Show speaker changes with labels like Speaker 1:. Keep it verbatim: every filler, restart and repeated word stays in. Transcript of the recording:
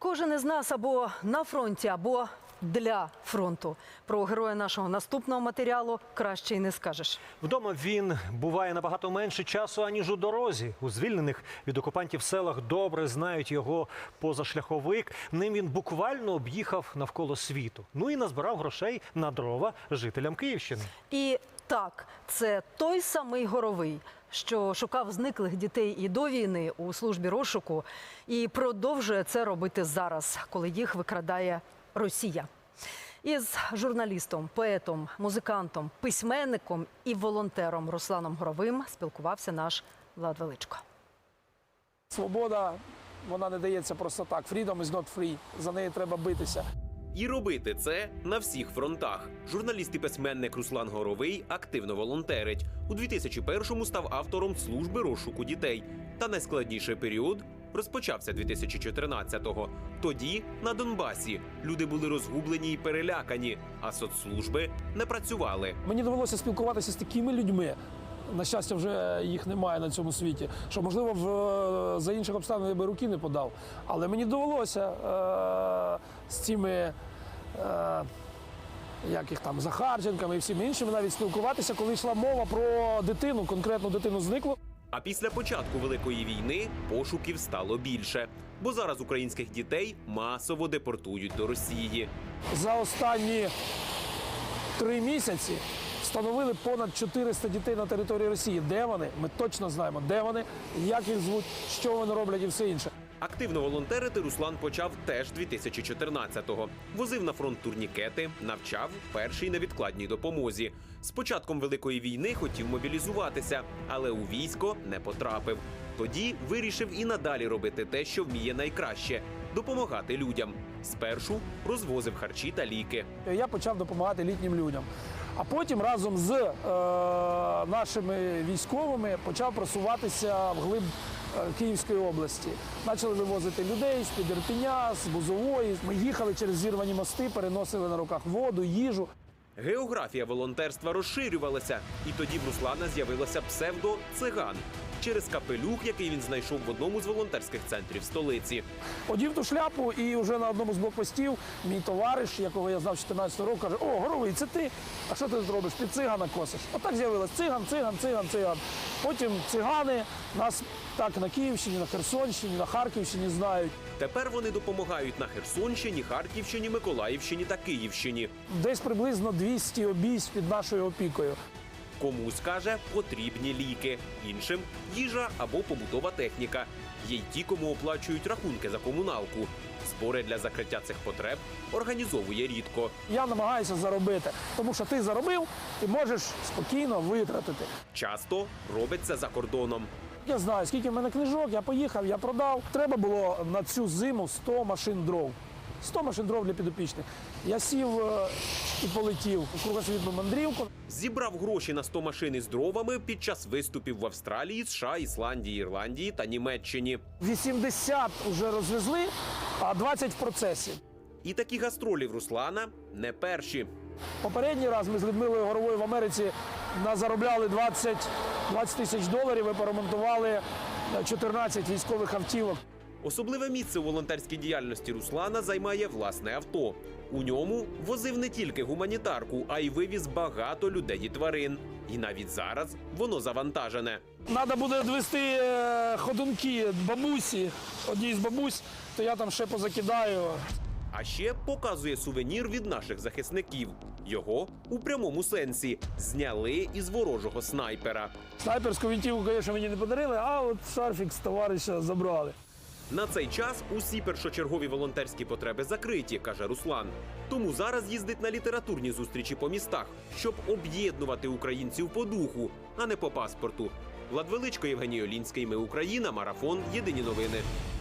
Speaker 1: Кожен із нас або на фронті, або для фронту. Про героя нашого наступного матеріалу краще й не скажеш.
Speaker 2: Вдома він буває набагато менше часу, аніж у дорозі. У звільнених від окупантів селах добре знають його позашляховик. Ним він буквально об'їхав навколо світу. Ну і назбирав грошей на дрова жителям Київщини.
Speaker 1: І так, це той самий Горовий, що шукав зниклих дітей і до війни у службі розшуку, і продовжує це робити зараз, коли їх викрадає Росія. Із журналістом, поетом, музикантом, письменником і волонтером Русланом Горовим спілкувався наш Влад Величко.
Speaker 3: Свобода, вона не дається просто так. Freedom is not free. За неї треба битися.
Speaker 4: І робити це на всіх фронтах. Журналіст і письменник Руслан Горовий активно волонтерить. У дві тисячі першому став автором служби розшуку дітей. Та найскладніший період розпочався дві тисячі чотирнадцятого. Тоді на Донбасі люди були розгублені і перелякані, а соцслужби не працювали.
Speaker 3: Мені довелося спілкуватися з такими людьми. На щастя, вже їх немає на цьому світі. Що, можливо, в, за інших обставин я би руки не подав. Але мені довелося е, з цими, е, як їх там, Захарченками і всіми іншими навіть спілкуватися, коли йшла мова про дитину, конкретну дитину зниклу.
Speaker 4: А після початку Великої війни пошуків стало більше. Бо зараз українських дітей масово депортують до Росії.
Speaker 3: За останні три місяці встановили понад чотириста дітей на території Росії. Де вони? Ми точно знаємо, де вони, як їх звуть, що вони роблять і все інше.
Speaker 4: Активно волонтерити Руслан почав теж дві тисячі чотирнадцятого. Возив на фронт турнікети, навчав першій невідкладній допомозі. З початком Великої війни хотів мобілізуватися, але у військо не потрапив. Тоді вирішив і надалі робити те, що вміє найкраще – допомагати людям. Спершу розвозив харчі та ліки.
Speaker 3: Я почав допомагати літнім людям. А потім разом з е, нашими військовими почав просуватися вглиб е, Київської області. Почали вивозити людей з-під Ірпеня, з Бузової. Ми їхали через зірвані мости, переносили на руках воду, їжу.
Speaker 4: Географія волонтерства розширювалася, і тоді в Руслана з'явилося псевдо «Циган» через капелюх, який він знайшов в одному з волонтерських центрів столиці.
Speaker 3: Одів ту шляпу, і вже на одному з блокпостів мій товариш, якого я знав з чотирнадцятого року, каже: «О, Горовий, це ти? А що ти тут робиш? Ти цигана косиш». Отак з'явилось: циган, циган, циган, циган. Потім цигани нас так на Київщині, на Херсонщині, на Харківщині знають.
Speaker 4: Тепер вони допомагають на Херсонщині, Харківщині, Миколаївщині та Київщині.
Speaker 3: Десь приблизно двісті обійсть під нашою опікою.
Speaker 4: Комусь, каже, потрібні ліки, іншим – їжа або побутова техніка. Є й ті, кому оплачують рахунки за комуналку. Збори для закриття цих потреб організовує рідко.
Speaker 3: Я намагаюся заробити, тому що ти заробив, ти можеш спокійно витратити.
Speaker 4: Часто робить це за кордоном.
Speaker 3: Я знаю, скільки в мене книжок, я поїхав, я продав. Треба було на цю зиму сто машин дров. сто машин дров для підопічних. Я сів е, і полетів у кругосвітну мандрівку.
Speaker 4: Зібрав гроші на сто машин із дровами під час виступів в Австралії, США, Ісландії, Ірландії та Німеччині.
Speaker 3: вісімдесят вже розвезли, а двадцять в процесі.
Speaker 4: І такі гастролі в Руслана не перші.
Speaker 3: Попередній раз ми з Людмилою Горовою в Америці заробляли двадцять тисяч доларів і поремонтували чотирнадцять військових автівок.
Speaker 4: Особливе місце у волонтерській діяльності Руслана займає власне авто. У ньому возив не тільки гуманітарку, а й вивіз багато людей і тварин. І навіть зараз воно завантажене.
Speaker 3: Треба буде відвести е, ходунки бабусі, одній з бабусь, то я там ще позакидаю.
Speaker 4: А ще показує сувенір від наших захисників. Його у прямому сенсі зняли із ворожого снайпера.
Speaker 3: Снайперську вінтівку, звісно, мені не подарили, а от шарфік з товариша забрали.
Speaker 4: На цей час усі першочергові волонтерські потреби закриті, каже Руслан. Тому зараз їздить на літературні зустрічі по містах, щоб об'єднувати українців по духу, а не по паспорту. Влад Величко, Євгеній Олінський. Ми Україна. Марафон. Єдині новини.